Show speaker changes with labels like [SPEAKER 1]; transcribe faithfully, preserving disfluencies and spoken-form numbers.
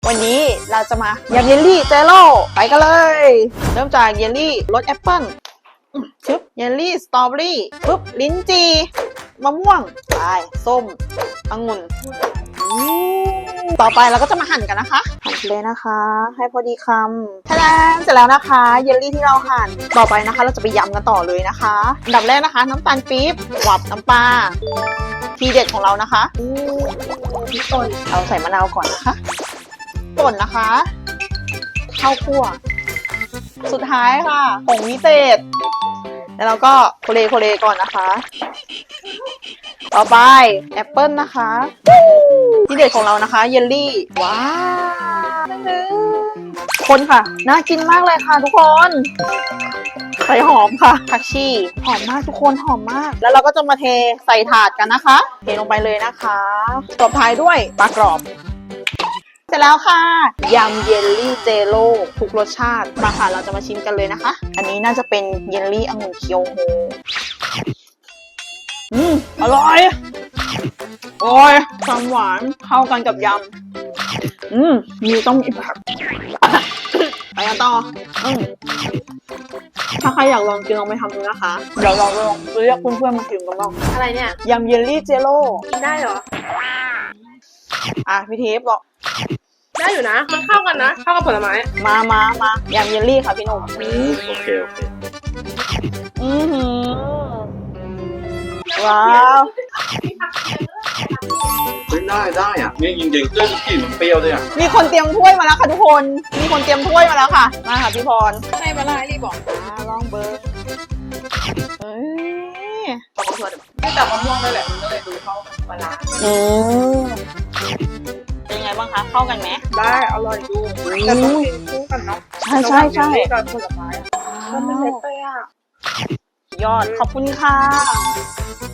[SPEAKER 1] วันนี้เราจะมายำเยลลี่เจโร่ไปกันเลย เริ่มจากเยลลี่รสแอปเปิ้ลชึบเยลลี่สตรอเบอรี่ปึ๊บลิ้นจีมะม่วงไปส้มองุ่นต่อไปเราก็จะมาหั่นกันนะคะหั่นเลยนะคะ ให้พอดีคำทะเลนเสร็จแล้วนะคะเยลลี่ที่เราหั่นต่อไปนะคะ เราจะไปยำกันต่อเลยนะคะอันดับแรกนะคะ น้ำตาลปี๊บหวานน้ำปลาทีเด็ดของเรานะคะพริกป่นเราใส่มะนาวก่อนนะคะป่นนะคะข้าวคั่วสุดท้ายค่ะผงวิเศษแล้วเราก็โคเลโคเลก่อนนะคะต่อไปแอปเปิลนะคะที่เด็ดของเรานะคะเยลลี่ว้าวคนค่ะน่ากินมากเลยค่ะทุกคนใส่หอมค่ะผักชีหอมมากทุกคนหอมมากแล้วเราก็จะมาเทใส่ถาดกันนะคะเทลงไปเลยนะคะตบท้ายด้วยปลากรอบเสร็จแล้วค่ะยำเยลลี่เจโร่ทุกรสชาติมาค่ะเราจะมาชิมกันเลยนะคะอันนี้น่าจะเป็นเยลลี่องุ่นเคียวโฮอืมอร่อยโอ้ยความหวานเข้ากันกับยำอืมมีต้องมีผักไปกันต่ออืมถ้าใครอยากลองกินลองไปทำดูนะคะเดี๋ยวเราลองเรียกเพื่อนๆมากินกันบ้าง
[SPEAKER 2] อะไรเนี่ย
[SPEAKER 1] ยำเยลลี่เจโร่
[SPEAKER 2] กินได้เหรอ
[SPEAKER 1] อ่ะพี่เทปบอก
[SPEAKER 2] ได้อยู่นะมันเข้ากันนะเข้ากับผลไม้
[SPEAKER 1] มามามายำเยลลี่ค่ะพี่หนุ่ม
[SPEAKER 3] โอเคโอเค
[SPEAKER 1] อือหือว้าว
[SPEAKER 3] เฮ้ยได้ได้อ่ะนี่จริงๆเรื่องกลิ่นมันเปรี้ยวด้วยอ่ะ
[SPEAKER 1] มีคนเตรียมถ้วยมาแล้วค่ะทุกคน มีคนเตรียมถ้วยมาแล้วค่ะ มาค่ะพี่พร
[SPEAKER 2] ให้มาล่ารีบอก
[SPEAKER 1] อ่าลองเบอร์เอ้ย
[SPEAKER 2] เอามาชวนไม่จับมะม่วงเลยแหละมันก็เลยดูเข้ากับปลา
[SPEAKER 1] อืมเป็นยังไงบ้างคะ เข้ากันไหม
[SPEAKER 2] ได้อร่อยดูแต่ต้องกินคู่กันเนาะ
[SPEAKER 1] ใช่ใช่ใช่
[SPEAKER 2] กับผลไม้ก็เป็นเล็กไปอ่ะ
[SPEAKER 1] ยอดขอบคุณค่ะ